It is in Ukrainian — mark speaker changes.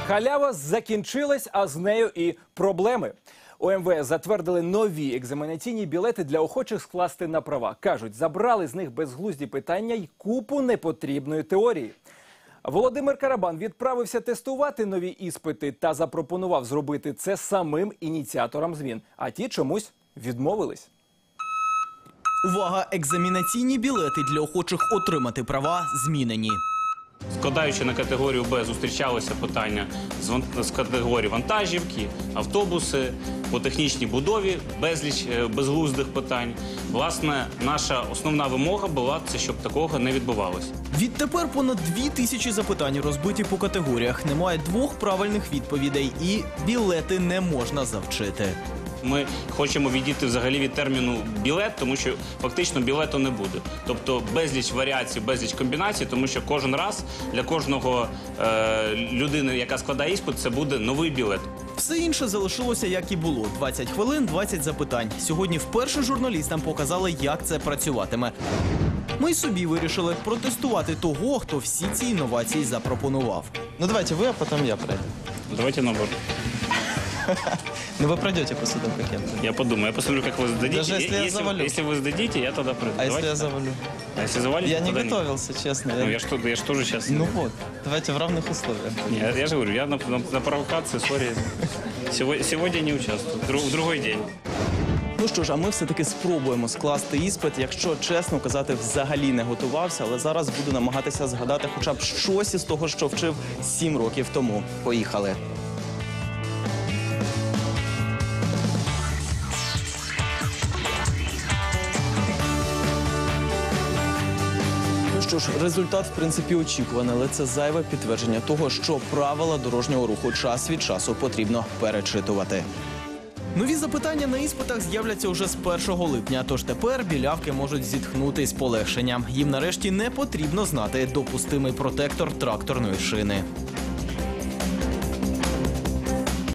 Speaker 1: Халява закінчилась, а з нею і проблеми. У МВС затвердили нові екзаменаційні білети для охочих скласти на права. Кажуть, забрали з них безглузді питання й купу непотрібної теорії. Володимир Карабан відправився тестувати нові іспити та запропонував зробити це самим ініціаторам змін. А ті чомусь відмовились.
Speaker 2: Увага! Екзаменаційні білети для охочих отримати права змінені.
Speaker 3: Складаючи на категорію Б, зустрічалися питання з категорії вантажівки, автобуси, по технічній будові, безліч безглуздих питань. Власне, наша основна вимога була, щоб такого не відбувалося.
Speaker 2: Відтепер понад 2000 запитань розбиті по категоріях. Немає двох правильних відповідей і білети не можна завчити.
Speaker 3: Ми хочемо відійти взагалі від терміну «білет», тому що фактично білету не буде. Тобто безліч варіацій, безліч комбінацій, тому що кожен раз для кожного людини, яка складає іспит, це буде новий білет.
Speaker 2: Все інше залишилося, як і було. 20 хвилин, 20 запитань. Сьогодні вперше журналістам показали, як це працюватиме. Ми й собі вирішили протестувати того, хто всі ці інновації запропонував.
Speaker 4: Ну давайте вы, а потом я пройду.
Speaker 3: Давайте набор.
Speaker 4: Ну вы пройдете по судам каким-то.
Speaker 3: Я подумаю, я посмотрю, как вы сдадите.
Speaker 4: Даже если я завалю.
Speaker 3: Если вы сдадите, я тогда пройду.
Speaker 4: А если я завалю?
Speaker 3: А если завалите,
Speaker 4: Я не
Speaker 3: тогда
Speaker 4: готовился, честно.
Speaker 3: Ну, я ж тоже сейчас...
Speaker 4: Ну вот, давайте в равных условиях.
Speaker 3: Не, я же говорю, я на провокации, сори. Сегодня не участвую, в другой день.
Speaker 4: Ну що ж, а ми все-таки спробуємо скласти іспит. Якщо чесно казати, взагалі не готувався, але зараз буду намагатися згадати хоча б щось із того, що вчив 7 років тому. Поїхали. Ну що ж, результат, в принципі, очікуваний, але це зайве підтвердження того, що правила дорожнього руху час від часу потрібно перечитувати.
Speaker 2: Нові запитання на іспитах з'являться уже з 1 липня, тож тепер білявки можуть зітхнути з полегшенням. Їм нарешті не потрібно знати допустимий протектор тракторної шини.